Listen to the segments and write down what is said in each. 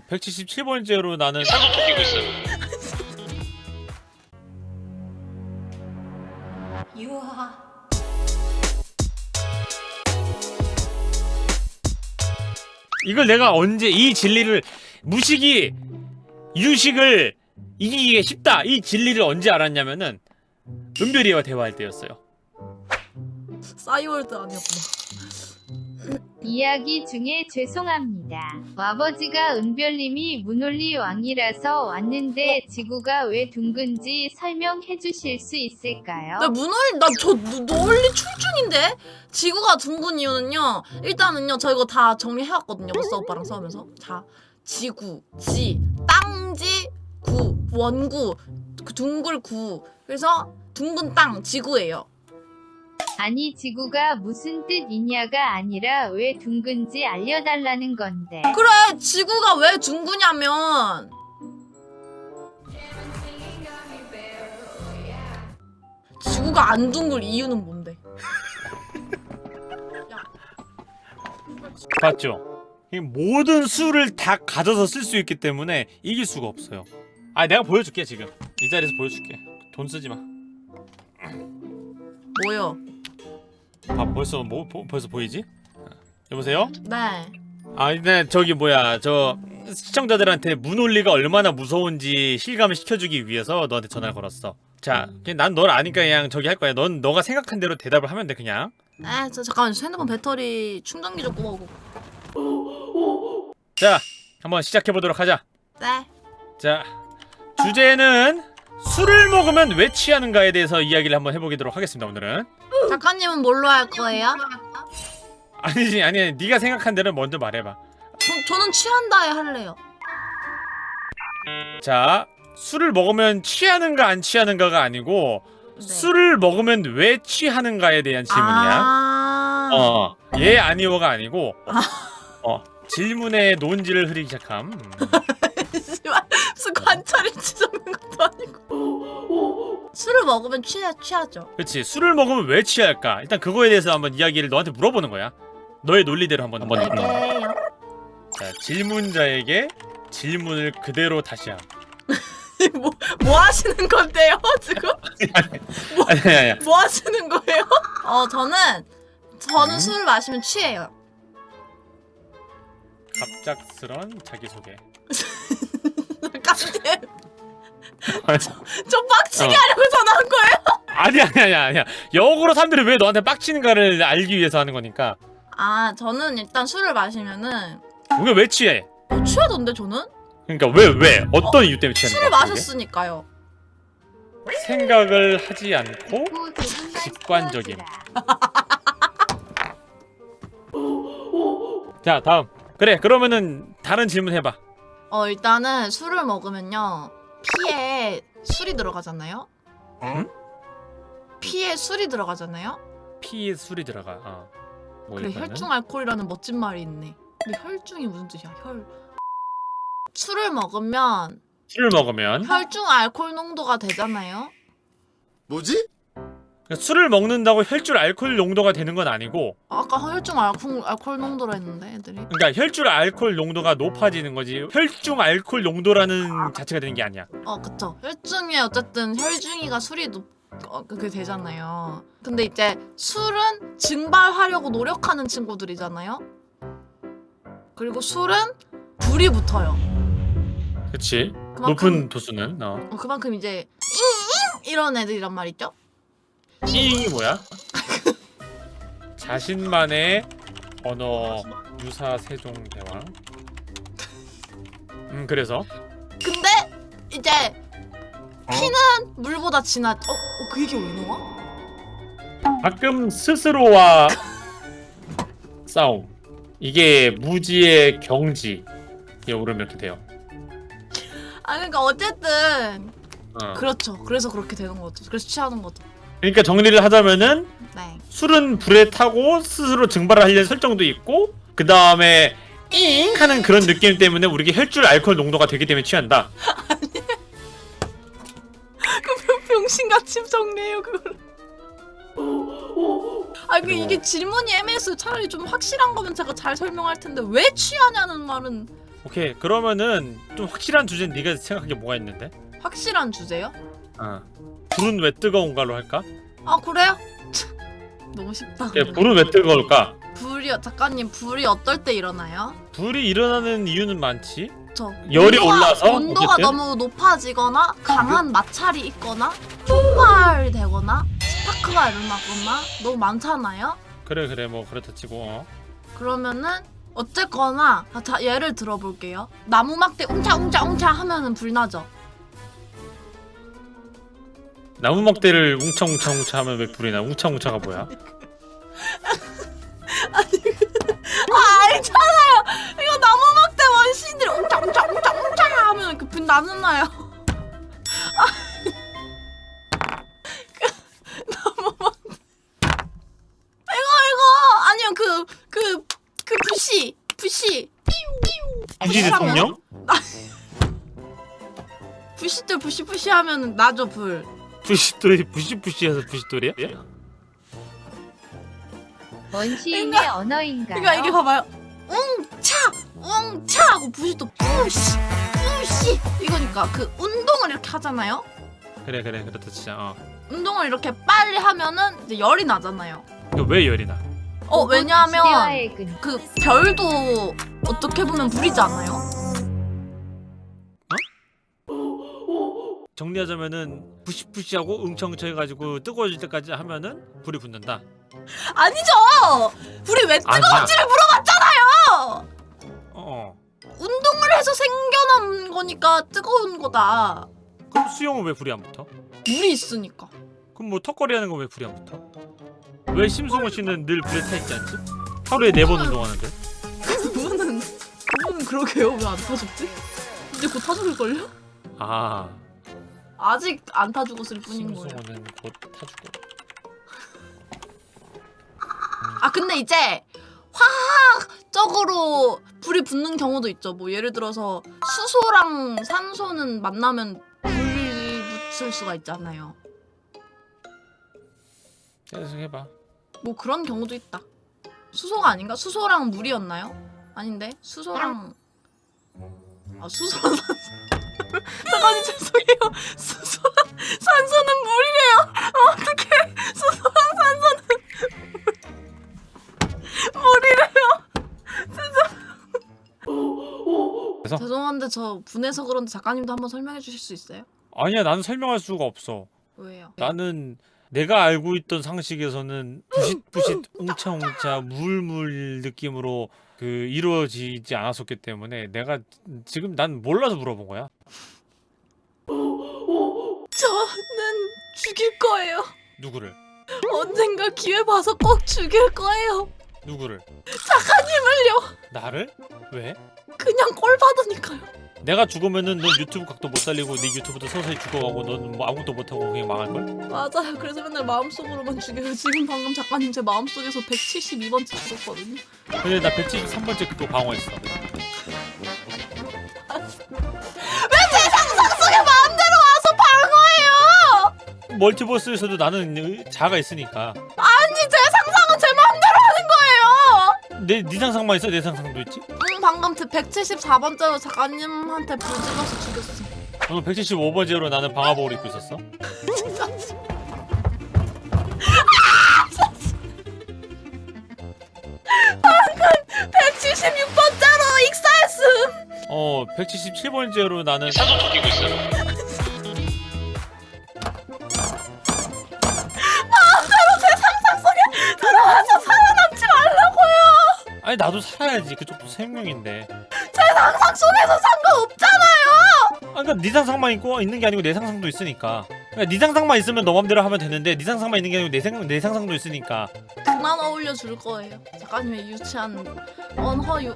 177번째로 나는 산소 토끼고 있어요. 유하. 이걸 내가 언제 이 진리를 무식이 유식을 이기기가 쉽다 이 진리를 언제 알았냐면은 은별이와 대화할 때였어요. 싸이월드 아니었구나. 이야기 중에 죄송합니다. 아버지가 은별님이 문올리 왕이라서 왔는데 지구가 왜 둥근지 설명해 주실 수 있을까요? 나 문올리 나저 논리 출중인데 지구가 둥근 이유는요. 일단은요 저 이거 다 정리해왔거든요. 머싸 오빠랑 싸우면서. 자 지구, 지, 땅지, 구, 원구, 그 둥글 구. 그래서 둥근 땅 지구예요. 아니 지구가 무슨 뜻이냐가 아니라 왜 둥근지 알려달라는 건데. 그래 지구가 왜 둥그냐면 지구가 안 둥글 이유는 뭔데? 봤죠? 이 모든 수를 다 가져서 쓸 수 있기 때문에 이길 수가 없어요. 아 내가 보여줄게 지금 이 자리에서 보여줄게. 돈 쓰지 마. 뭐요? 벌써 벌써 보이지? 여보세요? 네. 아 근데 저기 뭐야 저 시청자들한테 문올리가 얼마나 무서운지 실감을 시켜주기 위해서 너한테 전화를 걸었어. 자, 그냥 난 널 아니까 그냥 저기 할 거야. 넌 너가 생각한 대로 대답을 하면 돼 그냥. 에, 저 잠깐만 핸드폰 배터리 충전기 좀 꼽아오고. 자, 한번 시작해 보도록 하자. 네. 자, 주제는 술을 먹으면 왜 취하는가에 대해서 이야기를 한번 해보도록 하겠습니다. 오늘은. 작가님은 뭘로 할 거예요? 아니지, 아니, 네가 생각한 대로 먼저 말해봐. 저는 취한다에 할래요. 자, 술을 먹으면 취하는가 안 취하는가가 아니고 네. 술을 먹으면 왜 취하는가에 대한 질문이야. 예 아니오가 아니고 질문의 논지를 흐리기 시작함. 무슨 관찰일지 적는 것도 아니고. 술을 먹으면 취하죠. 그렇지. 술을 먹으면 왜 취할까? 일단 그거에 대해서 한번 이야기를 너한테 물어보는 거야. 너의 논리대로 한번. 네. 자, 질문자에게 질문을 그대로 다시 함. 뭐 하시는 건데요 지금? 아니야. 뭐 하시는 거예요? 저는 술을 마시면 취해요. 갑작스런 자기소개. 깜짝. 저 빡치게 하려고 전화한 거예요? 아니야. 역으로 사람들이 왜 너한테 빡치는가를 알기 위해서 하는 거니까. 아 저는 일단 술을 마시면은 우리가 왜 취해? 취하던데 저는? 그러니까 왜? 어떤 이유 때문에 취하는 술을 거야? 마셨으니까요. 생각을 하지 않고 직관적임. 자, 다음. 그래, 그러면은 다른 질문 해봐. 일단은 술을 먹으면요 피에 술이 들어가잖아요. 응? 피에 술이 들어가잖아요. 피에 술이 들어가. 뭐 그래 이거는? 혈중 알코올이라는 멋진 말이 있네. 근데 혈중이 무슨 뜻이야? 술을 먹으면 술을 먹으면 혈중 알코올 농도가 되잖아요. 뭐지? 그러니까 술을 먹는다고 혈중 알코올 농도가 되는 건 아니고, 아까 혈중 알코올 농도라 했는데 애들이. 그러니까 혈중 알코올 농도가 높아지는 거지. 혈중 알코올 농도라는 자체가 되는 게 아니야. 그쵸. 혈중에 어쨌든 혈중이가 술이 그게 되잖아요. 근데 이제 술은 증발하려고 노력하는 친구들이잖아요. 그리고 술은 불이 붙어요. 그렇지. 그만큼- 높은 도수는. 그만큼 이제 이런 애들이란 말이죠. 이게 뭐야? 자신만의 언어 유사 세종 대왕. 그래서 근데 이제 피는 물보다 진하. 그 얘기 왜 나와? 가끔 스스로와 싸움. 이게 무지의 경지에 오르면 이렇게 돼요. 그러니까 어쨌든 어. 그렇죠. 그래서 그렇게 되는 거죠. 그래서 취하는 거죠. 그러니까 정리를 하자면은 네. 술은 불에 타고 스스로 증발을 하려는 설정도 있고, 그 다음에 잉 하는 그런 느낌 때문에 우리가 혈중 알코올 농도가 되기 때문에 취한다. 병신같이 정리해요 그걸. 이게 질문이 애매해서 차라리 좀 확실한 거면 제가 잘 설명할 텐데 왜 취하냐는 말은. 오케이 그러면은 좀 확실한 주제는 네가 생각한 게 뭐가 있는데? 확실한 주제요? 불은 왜 뜨거운가로 할까? 아 그래요? 너무 쉽다. 예, 불은 왜 뜨거울까? 불이요 작가님 불이 어떨 때 일어나요? 불이 일어나는 이유는 많지. 저 열이 올라서? 온도가 어쨌든? 너무 높아지거나 강한 마찰이 있거나 폭발되거나 스파크가 일어나거나 너무 많잖아요? 그래 뭐 그렇다 치고 그러면은 어쨌거나 자 예를 들어볼게요. 나무 막대 웅차웅차 하면은 불 나죠. 나무 막대를 웅차웅차 하면 왜 불이 나? 웅차웅차가 뭐야? 아 알잖아요. 이거 나무 막대 원시인들이 웅차 하면 그 불 나잖아요. 나무 막대 이거 아니요 그 부시 부시 대통령? 부시들 부시 하면은 나죠 불. 부시돌이 부시부시해서 부시돌이야? 원시인의 언어인가요? 그러니까 이게 봐봐요. 웅차 하고 부시 또 부시 이거니까 그 운동을 이렇게 하잖아요. 그래 그렇다 진짜. 운동을 이렇게 빨리 하면은 이제 열이 나잖아요. 왜 열이 나? 왜냐하면 시대와의 근. 그 별도 어떻게 보면 불이지 않아요? 정리하자면은 부시부시하고 응청청 해가지고 뜨거워질 때까지 하면은 불이 붙는다. 아니죠. 불이 왜 뜨거운지를 물어봤잖아요. 운동을 해서 생겨난 거니까 뜨거운 거다. 그럼 수영은 왜 불이 안 붙어? 물이 있으니까. 그럼 뭐 턱걸이 하는 건 왜 불이 안 붙어? 왜 심승호 씨는 늘 불에 타 있지 않지? 하루에 4번 운동하는데? 그분은 그러게요. 왜 안 타셨지? 이제 곧 타죽을걸요? 아 아직 안 타 죽었을 뿐인 거예요. 심승호는 곧 타주고. 아 근데 이제 화학적으로 불이 붙는 경우도 있죠. 뭐 예를 들어서 수소랑 산소는 만나면 불이 붙을 수가 있잖아요. 계속 해봐. 뭐 그런 경우도 있다. 수소가 아닌가? 수소랑 물이었나요? 아닌데 수소랑 수소랑 산소. 잠깐만 죄송해요. 수소랑 산소는 물이래요. 어떡해. 수소랑 산소는 물이래요. 그래서? 죄송한데 저 분해서 그런데 작가님도 한번 설명해 주실 수 있어요? 아니야 나는 설명할 수가 없어. 왜요? 나는 내가 알고 있던 상식에서는 부싯부싯 웅차웅차 물물 느낌으로 그 이루어지지 않았었기 때문에 내가 지금 난 몰라서 물어본 거야. 저는 죽일 거예요. 누구를? 언젠가 기회 봐서 꼭 죽일 거예요. 누구를? 작가님을요. 나를? 왜? 그냥 꼴 받으니까요. 내가 죽으면은 넌 유튜브 각도 못 살리고 네 유튜브도 서서히 죽어가고 넌 뭐 아무것도 못하고 그냥 망할걸? 맞아요. 그래서 맨날 마음속으로만 죽여요. 지금 방금 작가님 제 마음속에서 172번째 죽었거든요. 근데 나 173번째 그거 방어했어. 상상 속에 마음대로 와서 방어해요. 멀티버스에서도 나는 자아가 있으니까. 아니 제 상상은 제 마음대로 하는 거예요. 네 상상만 있어? 내 상상도 있지? 방금 174번째로 작가님한테 불 질러서 죽였어. 오늘 175번째로 나는 방화복을 입고 있었어. 176번째로 익사했음. 177번째로 나는 사전 죽이고 있어요. 들어와서 살아남지 말라고요. 아니 나도 살아야지. 그쪽도 생명인데. 제 상상 속에서 상관없잖아요. 그러니까 네 상상만 있고 있는 게 아니고 내 상상도 있으니까. 그러니까 네 상상만 있으면 너 맘대로 하면 되는데 네 상상만 있는 게 아니고 내 상상도 있으니까. 그만 어울려 줄 거예요. 작가님의 유치한 언어유희애.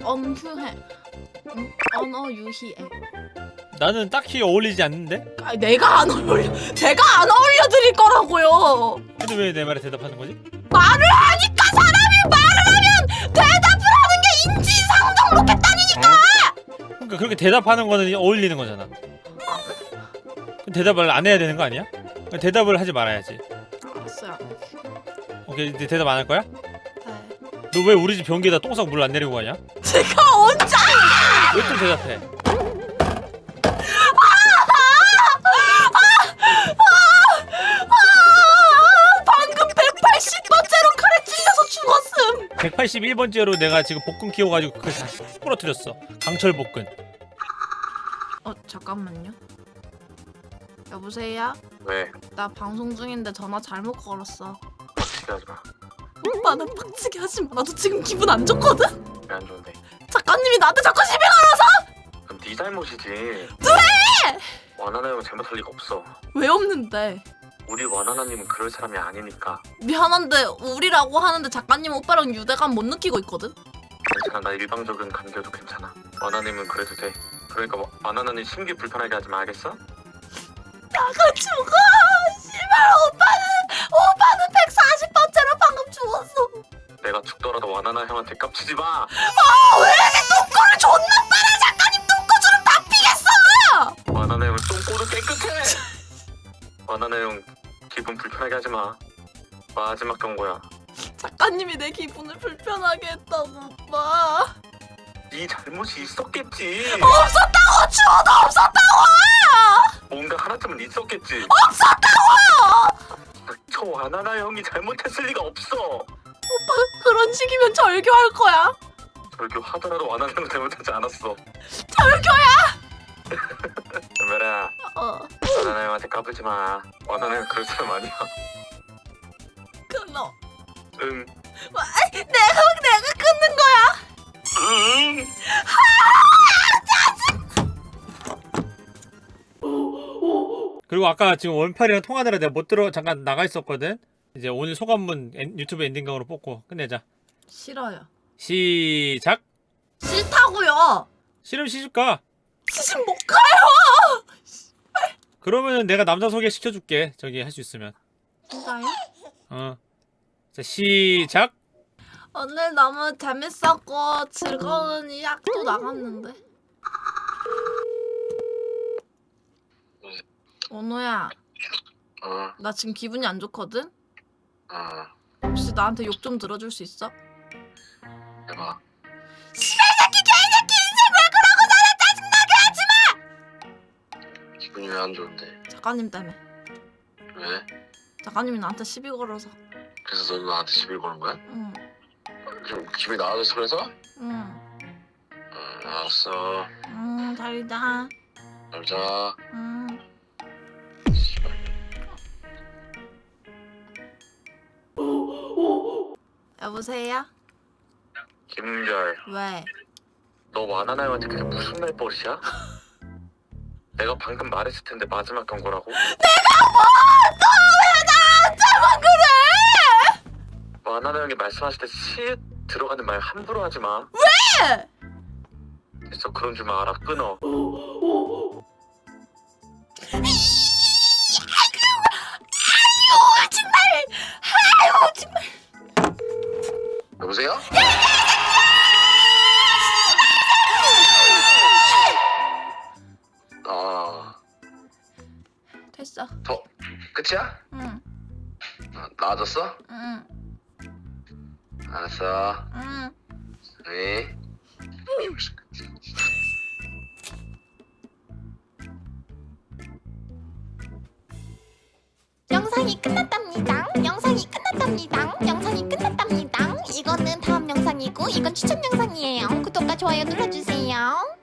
나는 딱히 어울리지 않는데? 아니 내가 안 어울려. 제가 안 어울려 드릴 거라고요. 근데 왜 내 말에 대답하는 거지? 말을 하니까 사람이 말을 하면 대답을 하는 게 인지상정 로켓단이니까. 그러니까 그렇게 대답하는 거는 어울리는 거잖아. 그럼 대답을 안 해야 되는 거 아니야? 그러니까 대답을 하지 말아야지. 알았어요. 오케이 이제 대답 안 할 거야? 네. 너 왜 우리 집 변기에다 똥 싸고 물 안 내리고 가냐? 제가 언제? 왜 또 대답해? 방금 180번째로 칼에 찔려서 죽었음. 181번째로 내가 지금 복근 키워가지고 그걸 다 부러뜨렸어. 강철 복근. 잠깐만요. 여보세요? 왜? 나 방송 중인데 전화 잘못 걸었어. 빡치게 하지 마. 오빠는 빡치게 하지 마. 나도 지금 기분 안 좋거든? 왜 안 좋은데? 작가님이 나한테 자꾸 시비 걸어서. 그럼 네 잘못이지. 왜? 와나나 형은 잘못할 리가 없어. 왜 없는데? 우리 와나나님은 그럴 사람이 아니니까. 미안한데 우리라고 하는데 작가님 오빠랑 유대감 못 느끼고 있거든? 괜찮아. 나 일방적인 관계도 괜찮아. 와나님은 그래도 돼. 그러니까 뭐, 와나나님 심기 불편하게 하지 마. 알겠어? 나가 죽어. 씨발 오빠는 140번째로 방금 죽었어. 내가 죽더라도 와나나 형한테 깝치지 마. 왜 이렇게 똥꼬를 존나 빨아. 작가님 똥꼬 주름 다 피겠어. 와나나 형은 똥꼬도 깨끗해. 와나나 형 기분 불편하게 하지 마. 마지막 경고야. 작가님이 내 기분을 불편하게 했다고 오빠. 네 잘못이 있었겠지. 없었다고. 죽어도 없었다고. 뭔가 하나쯤은 있었겠지. 없었다고. 저 와나나 형이 잘못했을 리가 없어. 오빠 그런 식이면 절교할 거야. 절교 하더라도 와나나 형은 잘못하지 않았어. 절교야. 연별아, 와나나 형한테 까불지 마. 와나나 형 그럴 사람 아니야. 끊어. 응. 내가 끊는 거야. 응. 그리고 아까 지금 원팔이랑 통화하느라 내가 못 들어 잠깐 나가 있었거든. 이제 오늘 소감문 유튜브 엔딩강으로 뽑고 끝내자. 싫어요. 시작. 싫다고요. 싫으면 시집가. 시집 못 가요. 그러면은 내가 남자 소개 시켜줄게. 저기 할 수 있으면. 진짜요? 어. 자 시작. 오늘 너무 재밌었고 즐거운 이야기도 나갔는데. 원호야, 어, 나 지금 기분이 안 좋거든? 어, 혹시 나한테 욕 좀 들어줄 수 있어? 해봐. 씨발 새끼 개새끼 인생 왜 그러고 나를 짜증나게 하지마! 기분이 왜 안 좋은데? 작가님 때문에. 왜? 작가님이 나한테 시비 걸어서. 그래서 너 나한테 시비 거는 거야? 응. 좀 기분이 나아졌어 그래서? 응. 알았어. 응. 잘 자. 잘 자. 응. 여보세요? 김별, 왜? 너 와나나 형한테 그게 무슨 말버릇이야? 내가 방금 말했을 텐데 마지막 경고라고? 왜 나한테만 그래! 와나나 형이 말씀하실 때 시 들어가는 말 함부로 하지 마. 왜? 됐어, 그런 줄 알아. 끊어. 아유 정말! 아유 정말! 여보세요? 됐어. 더 끝이야? 응. 나아졌어? 응. 알았어. 응. 네. 영상이 끝났답니다. 영상이 끝났답니다. 영상이 끝났답니다. 이거는 다음 영상이고 이건 추천 영상이에요. 구독과 좋아요 눌러주세요.